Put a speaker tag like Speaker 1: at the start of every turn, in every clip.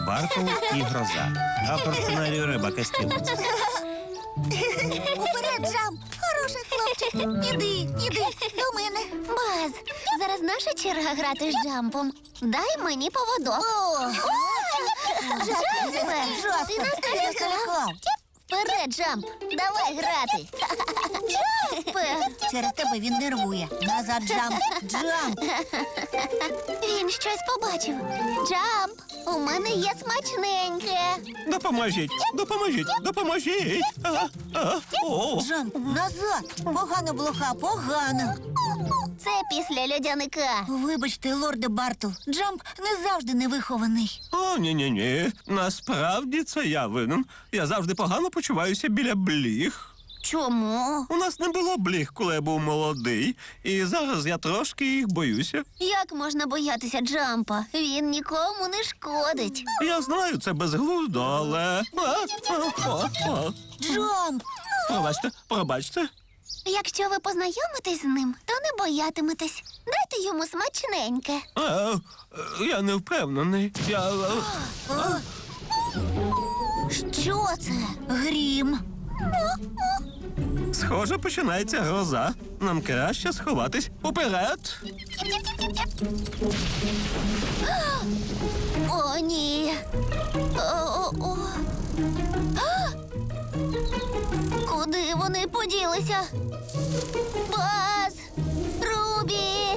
Speaker 1: Бартл і гроза. Автор сценарію Ребекка Стівенс.
Speaker 2: Уперед, Джамп! Хороший хлопчик! Іди до мене.
Speaker 3: Баз, зараз наша черга грати з Джампом. Дай мені поводок.
Speaker 2: Джаспер,
Speaker 3: Ти нас
Speaker 2: я
Speaker 3: налякав.
Speaker 2: залякав.
Speaker 3: Вперед, Джамп, давай грати. Джаспер,
Speaker 2: Через тебе він нервує. Назад, Джамп! Джамп!
Speaker 3: він щось побачив. Джамп, у мене є смачненьке.
Speaker 1: Допоможіть! Допоможіть! О!
Speaker 2: Джамп, назад! Погано, блоха, погано!
Speaker 3: Це після льодяника.
Speaker 2: Вибачте, лорде Бартл, Джамп не завжди невихований.
Speaker 1: О, ні. Насправді це я винен. Я завжди погано почуваюся біля бліг.
Speaker 3: Чому?
Speaker 1: У нас не було бліг, коли я був молодий, і зараз я трошки їх боюся.
Speaker 3: Як можна боятися Джампа? Він нікому не шкодить.
Speaker 1: Я знаю, це безглуздо, але...
Speaker 2: Джамп!
Speaker 1: Пробачте.
Speaker 3: Якщо ви познайомитесь з ним, то не боятиметесь. Дайте йому смачненьке.
Speaker 1: Я не впевнений.
Speaker 3: Що це?
Speaker 2: Грім!
Speaker 1: Схоже, починається гроза. Нам краще сховатись уперед.
Speaker 3: О, ні. О. А! Куди вони поділися? Баз! Рубі!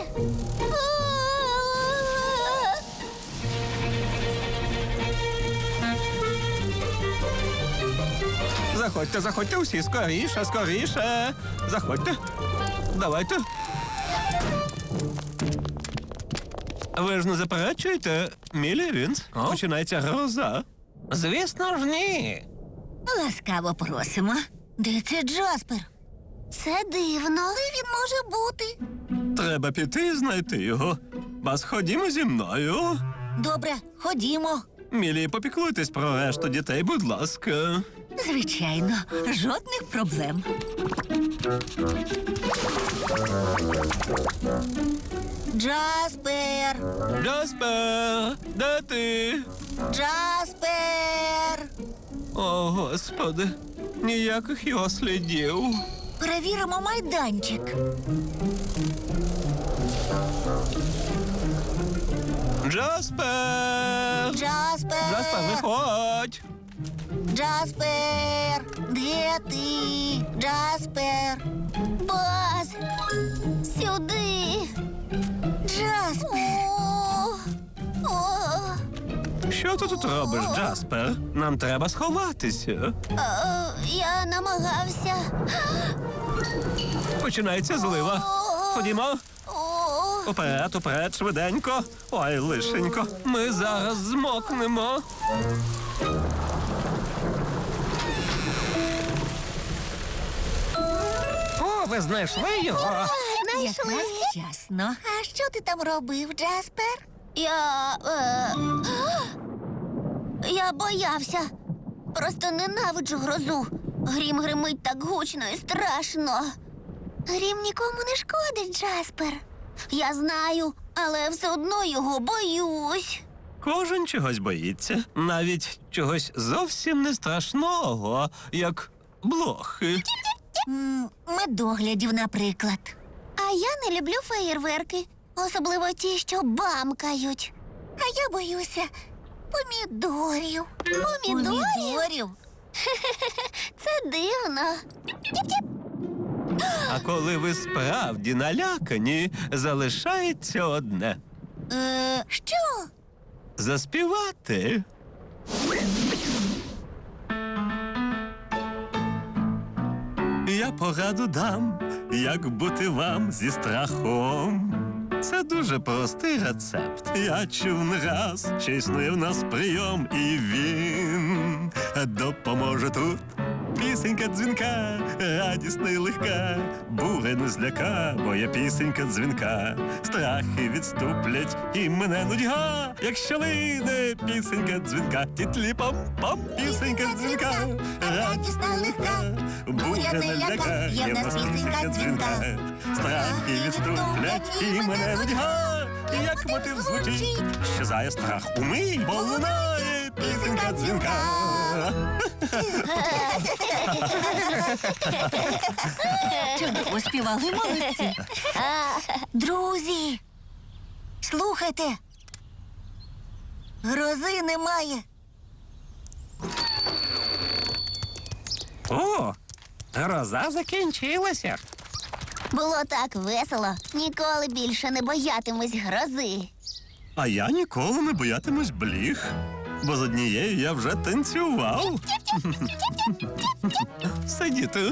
Speaker 1: Заходьте усі, скоріше. Заходьте. Давайте. Ви ж не заперечуєте, Мілі Вінс? Починається гроза. Звісно ж, ні.
Speaker 2: Ласкаво просимо. Де це Джаспер?
Speaker 3: Це дивно.
Speaker 2: Де він може бути?
Speaker 1: Треба піти і знайти його. Бас, ходімо зі мною.
Speaker 2: Добре, ходімо.
Speaker 1: Мілі, попіклуйтесь про решту дітей, будь ласка.
Speaker 2: Звичайно, жодних проблем. Джаспер!
Speaker 1: Джаспер, де ти?
Speaker 2: Джаспер!
Speaker 1: О, Господи, ніяких його слідів.
Speaker 2: Перевіримо майданчик.
Speaker 1: Джаспер! Джаспер, виходь!
Speaker 2: Джаспер! Де ти? Джаспер!
Speaker 3: Баз! Сюди!
Speaker 2: Джаспер!
Speaker 3: О,
Speaker 1: Що ти тут робиш, Джаспер? Нам треба сховатися.
Speaker 3: я намагався.
Speaker 1: Починається злива. Ходімо.
Speaker 3: О,
Speaker 1: Уперед, швиденько. Ой, лишенько, ми зараз змокнемо. О, ви знайшли його?
Speaker 3: знайшли.
Speaker 2: Якраз вчасно.
Speaker 3: А що ти там робив, Джаспер? Я боявся. Просто ненавиджу грозу. Грім гримить так гучно і страшно. Грім нікому не шкодить, Джаспер. Я знаю, але все одно його боюсь.
Speaker 1: Кожен чогось боїться. Навіть чогось зовсім не страшного, як блохи.
Speaker 2: Медоглядів, наприклад.
Speaker 3: А я не люблю феєрверки, особливо ті, що бамкають.
Speaker 2: А я боюся помідорів.
Speaker 3: Помідорів? Це дивно.
Speaker 1: А коли ви справді налякані, залишається одне
Speaker 2: Що?
Speaker 1: заспівати. Я пораду дам, як бути вам зі страхом. Це дуже простий рецепт. Я чув не раз, що існує в нас прийом, і він допоможе тут. Пісенька дзвінка, радісна й легка, буря не зляка, бо є пісенька дзвінка. Страхи відступлять і мене нудьга, якщо лине пісенька дзвінка. Тітлі-пам-пам, пісенька дзвінка, радісна й легка, буря не зляка, є в нас пісенька дзвінка. Страхи відступлять і мене нудьга, як мотив звучить, щезає страх умий, бо лунає
Speaker 2: Пісенька дзвінка.
Speaker 4: Чудово співали, молодці.
Speaker 2: Друзі, слухайте. Грози немає.
Speaker 1: О, гроза закінчилася.
Speaker 3: Було так весело. Ніколи більше не боятимусь грози.
Speaker 1: А я ніколи не боятимусь бліг, бо з однією я вже танцював. Сидіти.